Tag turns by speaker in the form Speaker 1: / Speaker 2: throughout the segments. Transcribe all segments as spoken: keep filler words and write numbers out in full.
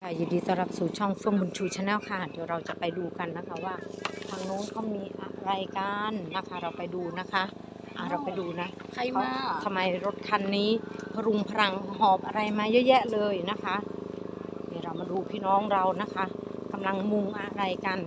Speaker 1: ค่ะยินดีต้อนรับสู่ช่องเฟื่องบุญชูชาแนลค่ะเดี๋ยวเราจะไปดูกันนะคะว่าทางโน้นเขามีอะไรกันนะคะเราไปดูนะคะอ่ะเราไปดูนะใครมาทำไมรถคันนี้พรุงพรังหอบอะไรมาเยอะแยะเลยนะคะเดี๋ยวเรามาดูพี่น้องเรานะคะกำลังมุงอะไรกัน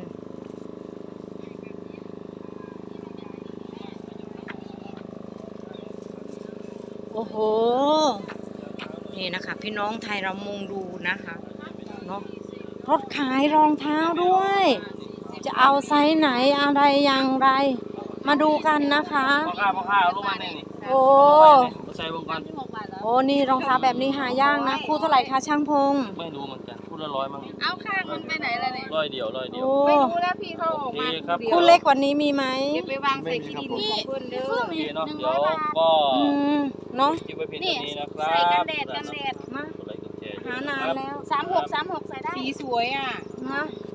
Speaker 1: โอ้โหนี่นะคะพี่น้องไทยเรามุงดูนะคะเนาะรถขายรองเท้าด้วยจะเอาไซส์ไหนอะไรอย่างไรมาดูกันนะคะ
Speaker 2: พ่อข้าพ่อข้าเอาลูกมาเนี่ยนี่
Speaker 1: โอ้
Speaker 2: ใส่วงก่อน
Speaker 1: โอ้นี่รองเท้าแบบนี้หายากนะคู่เท่าไหร่คะช่างพง
Speaker 2: ไม่รู้เหมือนกันคู่ละร้อยมั้ง
Speaker 3: เอาข้างมันไปไหนล่ะเนี่ย
Speaker 2: ร้อยเดียวร้อยเดียว
Speaker 3: ไม่รู้แล้วพี่เขาออกมา
Speaker 2: ครับ
Speaker 1: คู่เล็กกว่านี้มีไหม
Speaker 3: เดี๋ยวไปวางใส่ขี้ดินของเพื่อนเด้อ
Speaker 2: โอเคเนาะเดี๋ยวก็
Speaker 1: อืมเนาะ
Speaker 2: คลิปไว้เพียงเท่านี้นะครับ
Speaker 3: ใส่กันแดดกันแดด
Speaker 1: มา
Speaker 2: กดไลค์กดแชร์
Speaker 1: หานานแล้ว
Speaker 3: สามหกสามหกใส่ได้สีสวยอ่ะ
Speaker 1: นะ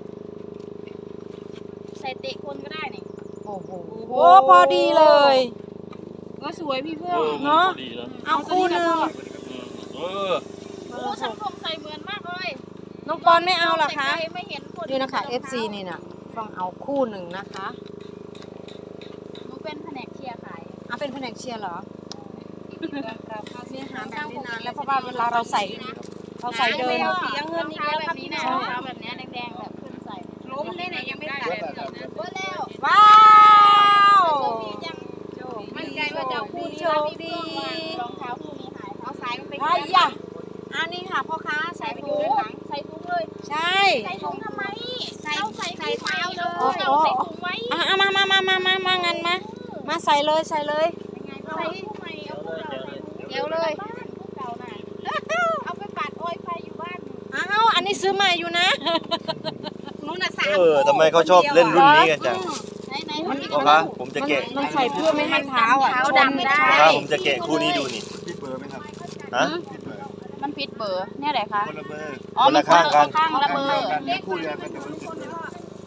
Speaker 3: ใส่เตะคนก็ได้นี่
Speaker 1: โอ้โหโอ้พอดีเลย
Speaker 3: ก็สวยพี่เพื่อน
Speaker 1: เนาะ
Speaker 2: ดีนะ
Speaker 1: เอาคู่หนึ่ง
Speaker 2: เออ
Speaker 3: โอ้ฉันคงใส่เหมือนมากเลย
Speaker 1: น้องปอนไม่เอาหรอคะ
Speaker 3: ไม่เห็นคน
Speaker 1: นี่นะคะ เอฟ ซี นี่นะต้องเอาคู่หนึ่งนะคะ
Speaker 3: หนูเป็นแผนกเชียร์ขาย
Speaker 1: เอาเป็นแผนกเชียร์เหรอ
Speaker 3: เราเข้า
Speaker 1: เนี่ยหาแบบนี้นานแล้วเพราะว่าเวลาเราใส่เราใส่เดิน
Speaker 3: สีเงินนี่แล้วแบบนี้นะรองเท้าแบบนี้แดงๆแบบขึ้นใส่ล้มได้ไหนยังไม่ตัดว่าแล้ว
Speaker 1: ว้าว
Speaker 3: มั่นใจว่าจะคู่นี้รองเท้าคู่นี้หายเอาสายมันไป
Speaker 1: ไอ้ยะอันนี้ค่ะพ่อค้าใส่
Speaker 3: ใส่
Speaker 1: ถุ
Speaker 3: ถุ
Speaker 1: ง
Speaker 3: งใส่ถุงเลย
Speaker 1: ใช่
Speaker 3: ใส่ถุงทำไมใส่ใส่ใส่เท้าเลยใส่ถุงไว้
Speaker 1: อ่ะมามามามามามางั้นมามาใส่เลยใส่เลย
Speaker 3: ใส่คู่ใหม่เอาคู่เก่าใส่ถุงเดียวเลยบ้านคู่เก่าน่ะเอาไปปัดอ้อยไฟอยู่บ้าน
Speaker 1: อ้าวอันนี้ซื้อใหม่อยู่นะ
Speaker 3: นู้นน่ะสาม
Speaker 4: เออทำไมเขาชอบเล่นรุ่นนี้กันจัง
Speaker 3: ไหนไหน
Speaker 4: พ่อคะผมจะแกะ
Speaker 1: มันใส่เพื่อไม่ให้เท้าอ่ะ
Speaker 3: เท้าดำได้
Speaker 4: พ่อคะผมจะแกะคู่นี้ดูนี่ผิดเบอร์ไหมครับฮะ
Speaker 3: มันผิดเบอร์เนี่ยไหนคะ
Speaker 4: คนละเบอร์
Speaker 3: อ๋อ
Speaker 4: คนละข้างกัน
Speaker 3: ข้างละเบอร์
Speaker 4: คู่เดียวกันแต่ว่าผิดเบอร์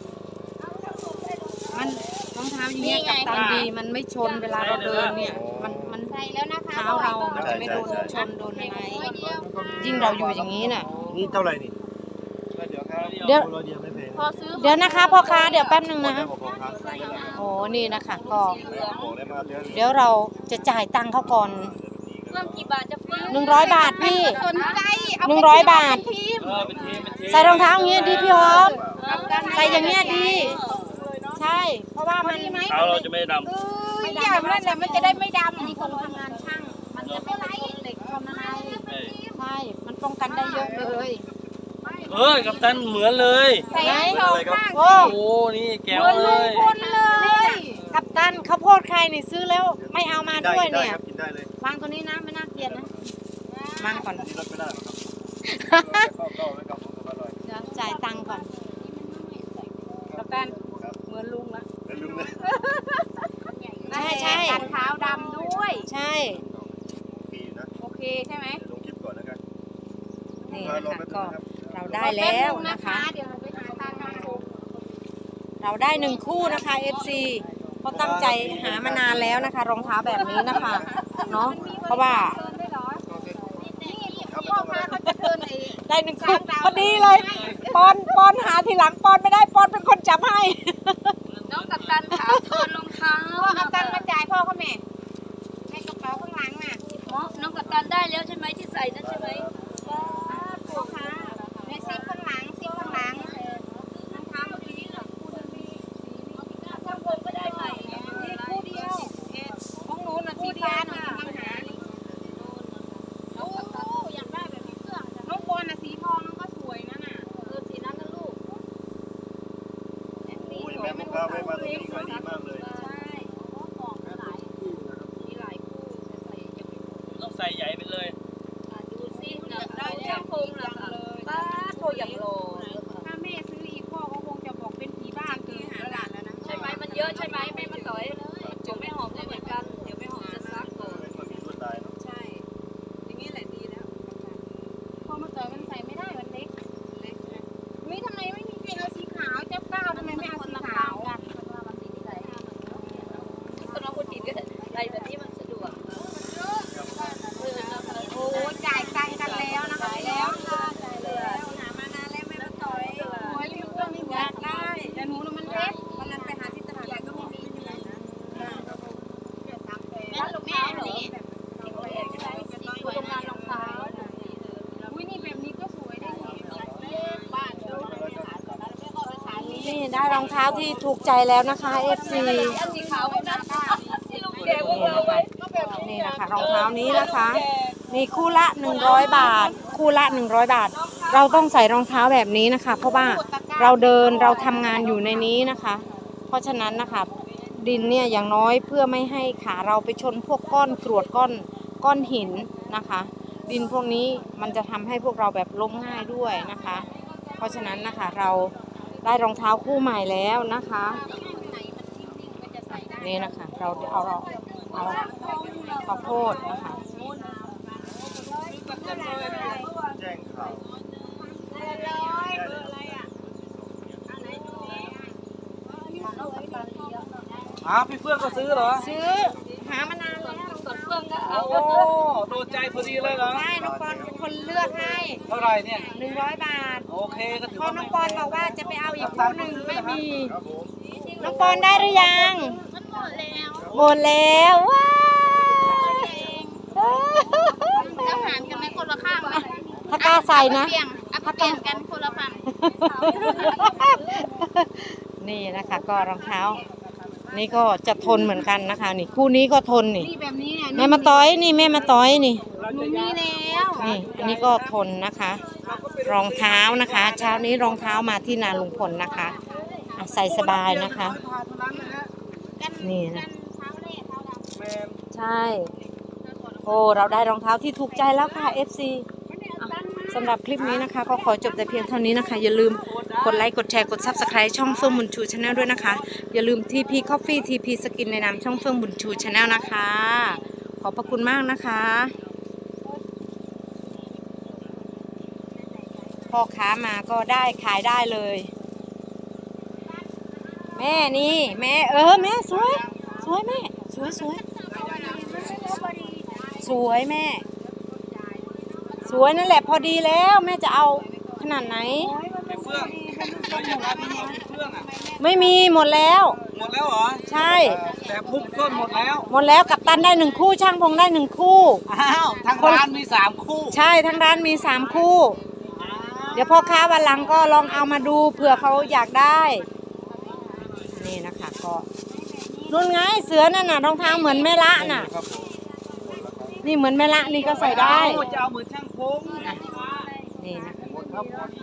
Speaker 1: มันรองเท้าอย่างเงี้ยกับตันดีมันไม่ชนเวลาเราเดินเนี่ยมันมัน
Speaker 3: ใส่แล้วนะคะ
Speaker 1: เท้าเรามันจะไม่โดนชนโดนอะไรยิ่งเราอยู่อย่างนี้น่ะ
Speaker 4: นี่เท่าไหร่นี่เดี๋ยวครับ
Speaker 1: เดี๋ยว
Speaker 4: เราเดียวไม่แพง
Speaker 3: พอซื้อ
Speaker 1: เดี๋ยวนะคะพ่อค้าเดี๋ยวแป๊บนึงนะ
Speaker 4: บอกครับ
Speaker 1: โอ้นี่นะคะก็
Speaker 4: บอกได้มาเดือน
Speaker 1: เดี๋ยวเราจะจ่ายตังค์เขาก่อน
Speaker 3: เรื่องกี่บาทจะฟรี
Speaker 1: หนึ่งร้อยบาทพี่
Speaker 3: สนใจเอา
Speaker 1: หนึ่งร้อยบาท
Speaker 3: ทีม
Speaker 2: เออเป็นทีมเป็นทีม
Speaker 1: ใส่รองเท้าอย่างเงี้ยดีพี่หอมใส่อย่างเงี้ยดี ใช่ เพราะว่ามัน
Speaker 2: เท้าเราจะไม่ดำ
Speaker 3: ไม่ดำนั่นแหละมันจะได้ไม่ดำอันนี้คนทำงานช่างมันจะไม่ไหลเหล็กทำอะไร
Speaker 1: ใช่ มันป้องกันได้เยอะเลย
Speaker 2: เออกับตันเหมือนเลย
Speaker 3: ใส่สองข้าง
Speaker 1: โอ้
Speaker 2: โอ้นี่แก้ว
Speaker 3: เหมือน
Speaker 2: เล
Speaker 3: ลุง
Speaker 2: ย
Speaker 3: พลเลย
Speaker 1: กับตันข้าวโพดใครนี่ซื้อแล้วไม่เอามา
Speaker 4: ได้
Speaker 1: ด้วย
Speaker 4: ได้
Speaker 1: เนี่ย
Speaker 4: ครับกินได้เลยว
Speaker 1: างตัวนี้นะไม่น่าเกลียดนะวางก่อน
Speaker 4: นี่รถไม่ได้หรอกครับเข้าเข้าไว้กับผมอร่อย
Speaker 1: เดี๋ยวจ่ายตังค์ก่อน
Speaker 3: กับตันเหมือนลุงละ
Speaker 4: แล้วลืมเลย
Speaker 1: ใช่ใช่
Speaker 3: กันเท้าดำด้วย
Speaker 1: ใช่
Speaker 4: ปีนะ
Speaker 3: โอเคใช่ไหม
Speaker 4: ลงคลิปก่อนนะครับ
Speaker 1: นี่นะคะก็เราได้แล้วนะคะ
Speaker 3: เดี๋ยวเราไปหาทางมาคุม
Speaker 1: เราได้หนึ่งคู่นะคะ เอฟ ซี เขาตั้งใจหามานานแล้วนะคะ รองเท้าแบบนี้นะคะเนาะเพราะว่า
Speaker 3: เดินได้เหรอนี่พ่อพาเขาจะเดินไอ้
Speaker 1: ได้หนึ่งคู่พอดีเลยปอนปอนหาทีหลังปอนไม่ได้ปอนเป็นคนจับให้
Speaker 3: น้องกับตันขาเทินรองเท้าเอาตันมาจ่ายพ่อเขาแม่ในกระเป๋าข้างหลังน่ะน้องกับตันได้แล้วใช่ไหมที่ใส่นั่นใช่ไหมพ่อค้าในซิปข้างหลังซิปข้างหลังรองเท้าเมื่อกี้น่ะคู่เดิมมีข้างบนก็ได้ใหม่นี่คู่เดียวของหนูน่ะสีฟ้าหนูกำลังหาโอ้อยากได้แบบนี้เสื้อน้องบอลน่ะสีทองน้องก็สวยนั่นน่ะเออสีนั้นนะลูก
Speaker 4: โอ้ยแม่พ่อค้าไม่มาตรงนี้ขายดีมากเลย
Speaker 3: ใช่ของหลายมีหลายคู่จะใส่ยังไม่หมด
Speaker 2: ต้องใส่ใหญ่ไปเลย
Speaker 3: ดูซิเนี่ยได้ช่างพงเหรอคะป้าโทรอย่างโลถ้าแม่ซื้ออีกพ่อก็คงจะบอกเป็นผีบ้านคือหาหลานแล้วนะใช่ไหมมันเยอะใช่ไหมแม่มาต่อยจุ๋มไม่หอมก็เหมือนกันเดี๋ยวไม่หอมจะซักก่อน
Speaker 4: มันมีลวดลายเนาะ
Speaker 3: ใช่อย่างนี้แหละดีแล้วพอมาต่อยมันใส่ไม่ได้มันเล็กเล็กไม่ทำไมไม่มีใครเอาสีขาวเจ้าก้าวทำไมไม่เอาสีขาวกันเพราะว่ามันสีใส่
Speaker 1: ได้รองเท้าที่ถูกใจแล้วนะคะ เอฟ ซี
Speaker 3: อันสีขาวไม่น่าที่ลุงแก
Speaker 1: นี่
Speaker 3: ว่า
Speaker 1: นะคะนี่นะคะรองเท้านี้นะคะนี่คู่ละหนึ่งร้อยบาท คู่ละหนึ่งร้อยบาท เราต้องใส่รองเท้าแบบนี้นะคะ เพราะว่าเราเดินเราทำงานอยู่ในนี้นะคะ เพราะฉะนั้นนะคะดินเนี่ยอย่างน้อยเพื่อไม่ให้ขาเราไปชนพวกก้อนกรวดก้อนก้อนหินนะคะ ดินพวกนี้มันจะทำให้พวกเราแบบล้มง่ายด้วยนะคะ เพราะฉะนั้นนะคะเราได้รองเท้าคู่ใหม่แล้วนะคะนี่นะคะเราเอาเราเอาข้าวโพดนะคะ
Speaker 4: แจ้งข่าว
Speaker 2: อ้าวพี่เฟื่องก็ซื้อเหรอ
Speaker 1: ซื้อหามานานแล้ว
Speaker 3: กดเฟื่องก็เอา
Speaker 2: โอ้โดนใจพอดีเลยเหรอ
Speaker 1: ใช่น้องปอนเป็นคนเลือกให้
Speaker 2: เท่าไหร่เนี่ย
Speaker 1: หนึ่งร้อยบาท
Speaker 2: โอเคก็ถือ
Speaker 1: พอ
Speaker 2: ว่า
Speaker 1: น้
Speaker 2: ไม่
Speaker 1: องปอนบอกว่าจะไปเอาอีกคู่หนึ่งไม่มี
Speaker 4: ครับผม
Speaker 1: น้องปอนได้หรือยัง
Speaker 3: มันหมดแล้ว
Speaker 1: หมดแล้วว้าว
Speaker 3: จะหารกันไหมคนละข้างไหม
Speaker 1: ถ้ากล้าใส่นะ
Speaker 3: เปลี่ยนเอาเปลี่ยนกันคนละพัน
Speaker 1: นี่นะคะก็รองเท้า นี่ก็จะทนเหมือนกันนะคะ นี่คู่นี้ก็ทนนี่
Speaker 3: นี่แบบนี้เนี่ย
Speaker 1: แม่มาต้อยนี่แม่มาต้อยนี่
Speaker 3: หนูมีแล้ว
Speaker 1: นี่อันนี้ก็ทนนะคะ รองเท้านะคะ เช้านี้รองเท้ามาที่นาลุงพลนะคะอ่ะใส่สบายนะคะ นี่นะ
Speaker 3: เท้าเล่เท้าดำ
Speaker 2: แมน
Speaker 1: ใช่ โอ้เราได้รองเท้าที่ถูกใจแล้วค่ะ เอฟ ซี สำหรับคลิปนี้นะคะ ก็ขอจบแต่เพียงเท่านี้นะคะ อย่าลืมกดไลค์กดแชร์กด ซับสไครบ์ ช่องเฟื่องบุญชูชาแนลด้วยนะคะ อย่าลืม ที พี Coffee ที พี Skin ในนามช่องเฟื่องบุญชูชาแนลนะคะ ขอบพระคุณมากนะคะพ่อค้ามาก็ได้ขายได้เลย แม่นี่แม่เออแม่สวยสวยแม่สวยสวยสวยแม่ สวยนั่นแหละพอดีแล้วแม่จะเอาขนาดไหน
Speaker 2: พี่เฟื่องเราอยากได้พี่เฟื่องอ่ะ
Speaker 1: ไม่มีหมดแล้ว
Speaker 2: หมดแล้วเหรอ
Speaker 1: ใช่
Speaker 2: แต่พุ่งต้นหมดแล้ว
Speaker 1: หมดแล้วกัปตันได้หนึ่งคู่ช่างพงได้หนึ่งคู่
Speaker 2: อ้าวทางร้านมีสามคู่
Speaker 1: ใช่ทั้งร้านมีสามคู่ เดี๋ยวพ่อค้าวันหลังก็ลองเอามาดูเผื่อเขาอยากได้ นี่นะคะก็นุ่นไงเสือนั่นน่ะรองเท้าเหมือนแม่ละน่ะ
Speaker 4: ครับผม
Speaker 1: นี่เหมือนแม่ละนี่ก็ใส่ได้
Speaker 2: จะเอาเหมือนช่างพง
Speaker 1: นี่นะ
Speaker 4: หมดครับหมด